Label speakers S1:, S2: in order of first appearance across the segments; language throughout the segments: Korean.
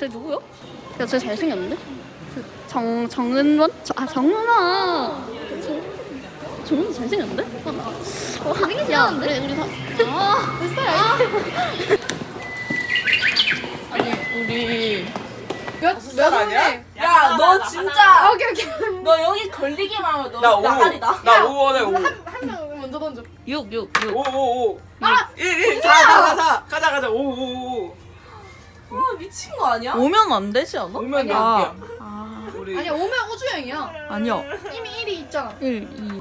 S1: 쟤 누구야? 야, 쟤 잘생겼는데? 정은원? 정은아! 정은이 잘생겼는데? 잘생기지 않은데? 우리 다. 아니, 우리.
S2: 몇 아니야?
S3: 야, 너 진짜.
S2: 오케이.
S3: 너 여기 걸리기만 하면 너
S2: 나 5.
S3: 나가리다.
S2: 나 5원에 5.
S3: 한 명 먼저 던져.
S1: 6.
S2: 5. 1. 가자. 5.
S3: 아, 미친 거 아니야?
S1: 오면 안 되지 않아?
S2: 오면
S1: 아니야.
S2: 여기야. 우리
S3: 아니야, 오면 우주형이야.
S1: 아니야.
S3: 이미 1이 있잖아.
S1: 1, 2.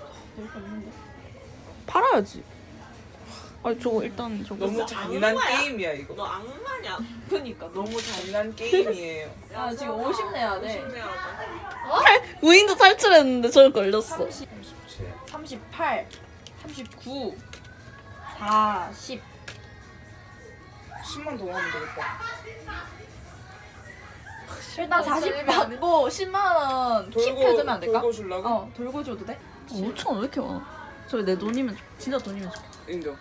S1: 팔아야지. 아니, 저거 일단 저거.
S2: 너무 잔인한 게임이야 이거.
S4: 너 악마냐? 그니까
S2: 너무 잔인한 게임이에요.
S3: 야, 지금 50 내야 돼.
S1: 무인도 탈출했는데 저거 걸렸어.
S3: 38, 39, 40.
S2: 10만 더 하면 되겠다.
S3: 일단 40 받고 10만 원 킵해주면 안 될까?
S2: 돌고 주려고?
S3: 돌고 줘도 돼?
S1: 5,000원 왜 이렇게 많아? 저기 내 돈이면 진짜 돈이면 좋겠다.
S2: 인정.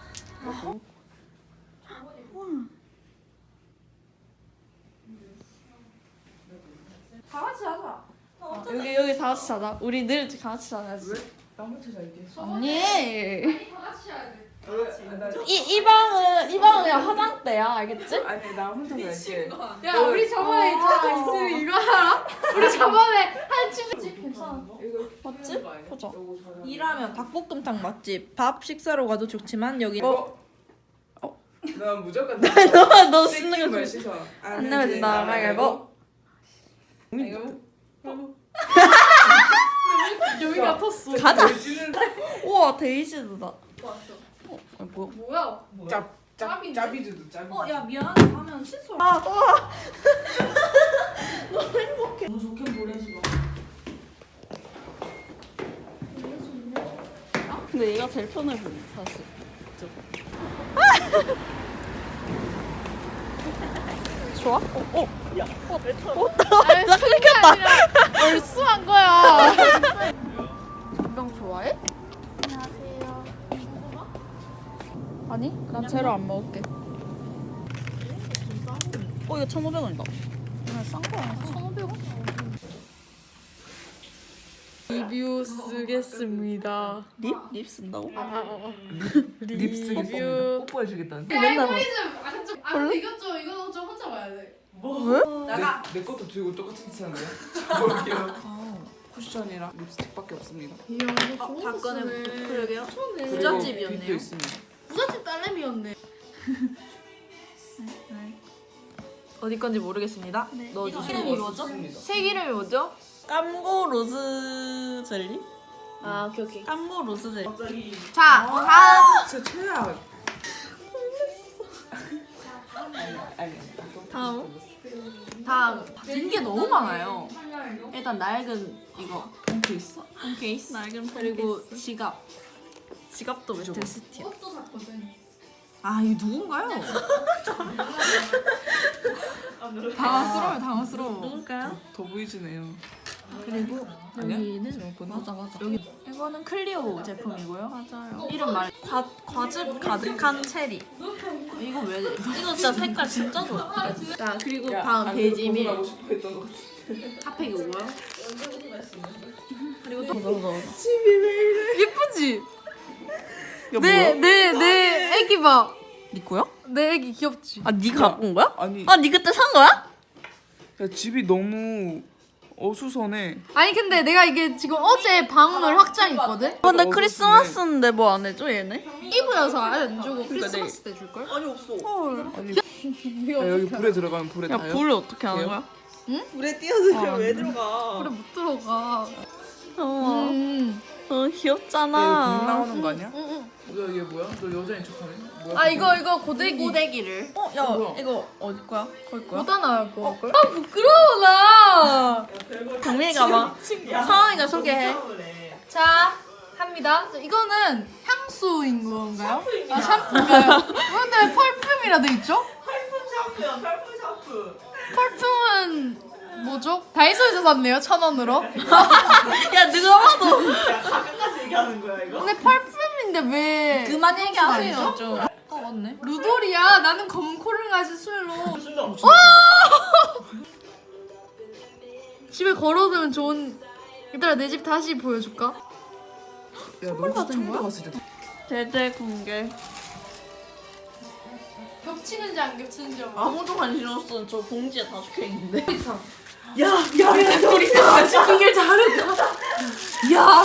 S3: 다 같이 하자.
S1: 여기 다 같이 자자. 우리 늘 다 같이 자야지.
S2: 왜? 나 혼자 잘게.
S1: 아니.
S3: 다 같이 해야 돼.
S1: 이 방은 그냥 화장대야, 알겠지?
S2: 아니 나 혼자 잘게.
S3: 야, 우리 저번에 있잖아. 이거 알아? 우리 저번에 한 친구 괜찮아.
S1: 맞지? 보자.
S3: 일하면 닭볶음탕 맛집. 밥 식사로 가도 좋지만 여기
S2: 나 무조건
S1: 너 쓰는 거
S2: 말
S1: 좋지.
S2: 씻어.
S1: 안 내면 된다. 가위바위보.
S3: 여기가 텄어.
S1: 가자.
S2: 돼지는
S1: 우와, 데이지드다.
S3: 뭐야?
S2: 짜비주도 짜비.
S3: 야, 미안하다 하면 칫솔. 너무 좋게 보내지 마.
S1: 근데 얘가 제일 편해 보여, 사실. 좋아? 나 끊겼다.
S3: 얼쑤한 거야.
S1: 전병 좋아해? 안녕하세요. 아니, 난 제로 안 먹을게. 이거 1,500원이다. 그냥 싼 거야. 1,500원? 리뷰 쓰겠습니다. 립? 립 쓴다고?
S2: 립 쓰겠습니다. 뽀뽀해 주겠다는.
S1: 맨날 봐.
S3: 이거 좀 혼자 봐야 돼.
S1: 왜?
S3: 나가.
S2: 내 것도 들고 똑같은 짓 하는 거야? 뭘게요? 쿠션이랑 립스틱밖에 없습니다.
S3: 다 꺼내. 그러게요.
S2: 그리고
S3: 부잣집이었네요.
S2: 빗도 있습니다.
S3: 부잣집 딸내미였네. 어디 건지 모르겠습니다. 넣어주시면 이름이 뭐죠? 색 이름이 뭐죠?
S1: 깜고 로즈 젤리?
S3: 아, 오케이.
S1: 깜고 로즈 젤리.
S3: 자, 다음.
S2: 진짜 최악. 아니.
S3: 다음. 빈게 너무 많아요. 일단 낡은 이거
S2: 폰케이스.
S3: 케이스.
S1: 낡은
S3: 그리고 지갑.
S1: 지갑도 메탈시티야.
S3: 아, 이거 누군가요? 당황스러워.
S1: 누굴까요?
S2: 더 보이지네요.
S3: 그리고
S2: 아니야?
S3: 여기는
S1: 맞아.
S3: 여기 이거는 클리오 제품이고요.
S1: 맞아요.
S3: 이름 말
S1: 과즙 가득한 체리.
S3: 이거 왜?
S1: 이거 진짜 색깔 진짜 좋아.
S3: 자, 그리고
S2: 야,
S3: 다음
S2: 안
S3: 베이지밀
S2: 하고 싶어 했던 것 같아.
S3: 핫팩이 오고요. 그리고 또
S1: 예쁘지?
S3: 내 애기 봐.
S1: 네 거야?
S3: 내 애기 귀엽지?
S1: 아, 네가 갖고 온 거야?
S2: 아니,
S1: 아, 네 그때 산 거야?
S2: 야, 집이 너무 어수선해.
S3: 아니 근데 내가 이게 지금 어제 방문 확장 있거든?
S1: 근데
S2: 어디서
S1: 크리스마스인데 뭐 안 해줘, 얘네?
S3: 이브여서 안 주고 크리스마스 때 줄걸?
S4: 아니 없어.
S2: 아니, 야, 여기 불에 들어가면 불에
S1: 야,
S2: 닿아요?
S1: 불을 어떻게 하는 거야?
S4: 물에 뛰어들면 왜 들어가?
S3: 그래 못 들어가.
S1: 귀엽잖아.
S2: 공 나오는 거 아니야?
S3: 응.
S2: 너 이게 뭐야? 너 여자인 척하네? 뭐야?
S3: 아 이거 고데기를.
S1: 야,
S2: 뭐야?
S1: 이거 어디 거야? 거기 거야?
S3: 못 하나 걸? 아 부끄러워 나.
S1: 정민이가 봐. 서원이가 소개해.
S3: 자 합니다. 자, 이거는 향수인 건가요? 아 샴푸인가요? 근데 펄품이라 돼 있죠?
S4: 샴푸야, 샴푸 샴푸.
S3: 펄품은 뭐죠? 다이소에서 샀네요 1,000원으로.
S1: 야, 누가 봐도.
S4: 야 가까이서 얘기하는 거야 이거?
S3: 근데 펄품인데 왜?
S1: 그만 얘기하세요,
S3: 아니죠?
S1: 좀. 맞네.
S3: 루돌이야. 나는 검은 코를 가진 술로. 집에 걸어두면 좋은. 얘들아 내 집 다시 보여줄까?
S2: 야너 청도 갔을 때
S1: 대대 공개.
S3: 겹치는지 안 겹치는지 알아.
S1: 아무도 관심 없어. 저 봉지에 다 적혀 있는데.
S2: 야야야 우리 시키길 잘했다.
S3: 야.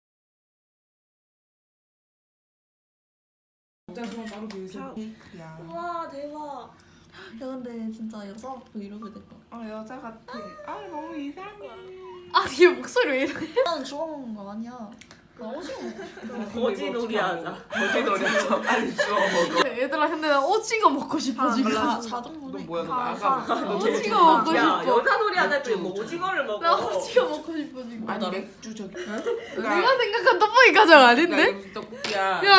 S4: 와 대박.
S1: 야 근데 진짜 여자 그 이러게 될 거야.
S2: 여자 같아. 아 너무 이상해.
S3: 아얘 목소리 왜 이래?
S1: 나는 좋아하는 거 아니야. 나 오징어.
S4: 거지놀이 하자.
S2: 거지놀이 하자. 빨리 주워 먹어.
S3: 얘들아 근데 나 오징어 먹고 싶어 지금.
S1: 자동문에.
S2: 너 뭐야 너 나가. 너 제일
S3: 오징어
S2: 좋아.
S3: 먹고
S4: 야
S3: 싶어.
S4: 여자놀이 하자 했더니 뭐 오징어를 먹어.
S3: 나 오징어 먹고 싶어 지금.
S2: 아니 맥주 저기.
S3: 내가 생각한 떡볶이 가정 아닌데?
S2: 여기 떡볶이야.
S3: 야.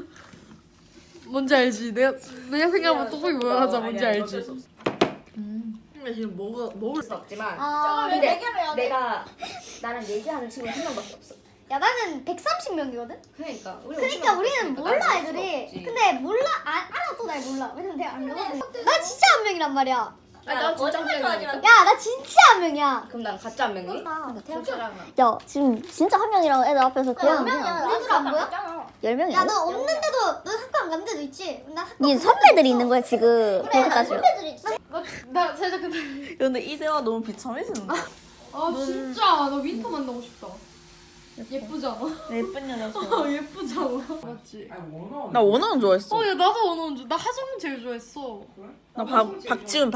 S3: 뭔지 알지? 내가 생각한 떡볶이 뭐야 하자 뭔지
S4: 아니야,
S3: 알지?
S4: 어쩔 수 없어.
S1: 근데 지금 먹을 수
S5: 없지만
S6: 아,
S5: 근데
S6: 근데
S5: 내가 나랑 얘기하는 친구 한 명밖에 없어.
S6: 야 나는 130명이거든?
S5: 그러니까
S6: 그러니까 우리는 몰라 애들이. 근데 몰라 알아도 날 몰라. 왜냐면 내가 안 가거든. 나 진짜 한 명이란 말이야.
S5: 나 거짓말 좋아하지만
S6: 야 나 진짜 한 명이야.
S5: 그럼 난 가짜 한 명이?
S6: 야 지금 진짜 한 명이랑 애들 앞에서 그냥
S5: 우리들 안 보여?
S6: 10명이야. 야 너 없는데도 너 학교 안 간 데도 있지? 나 학교
S7: 니 선배들이 있는 거야 지금.
S6: 그래 나
S7: 거기까지.
S6: 선배들이 있지.
S3: 나 살짝 근데
S1: 근데 이대화 너무 비참해지는다.
S3: 아 진짜 나 윈터 만나고 싶다. 예쁘잖아.
S1: 예쁜 여자
S3: 예쁘잖아. 맞지?
S2: 아니 원어.
S1: 나 원어는 좋아했어.
S3: 야 나도 원어원 줄. 나 하정우 제일 좋아했어.
S1: 나 박지훈.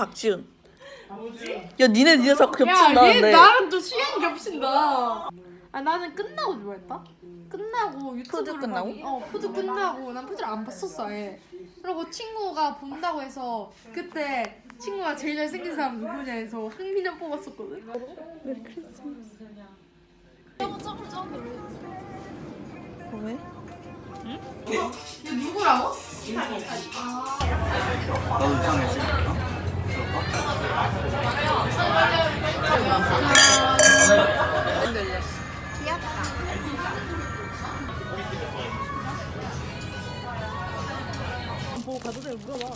S1: 야 니네 녀석
S3: 야얘
S1: 겹친다는데.
S3: 나랑 또 취향 겹친다. 아 나는 끝나고 좋아했다. 끝나고 유튜브를
S1: 푸드 끝나고?
S3: 푸드 끝나고 난 푸드를 안 봤었어 아예. 그리고 친구가 본다고 해서 그때 친구가 제일 잘생긴 사람 누구냐 해서 흥민현 뽑았었거든.
S1: 왜?
S3: 얘 누구라고?
S8: 나도 이상해지.
S1: 보고 가도 돼 물어봐.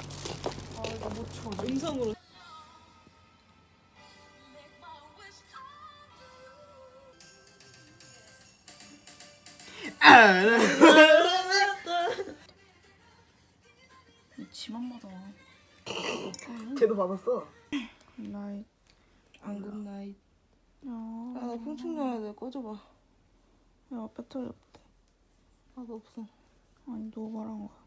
S1: 음성으로. 지만 받아.
S2: 걔도 받았어.
S1: 나이.
S2: 안굿 나잇.
S1: 야나 풍충 돼. 꺼져봐. 야 배터리 없대. 나도 없어. 아니 너가 말한 거.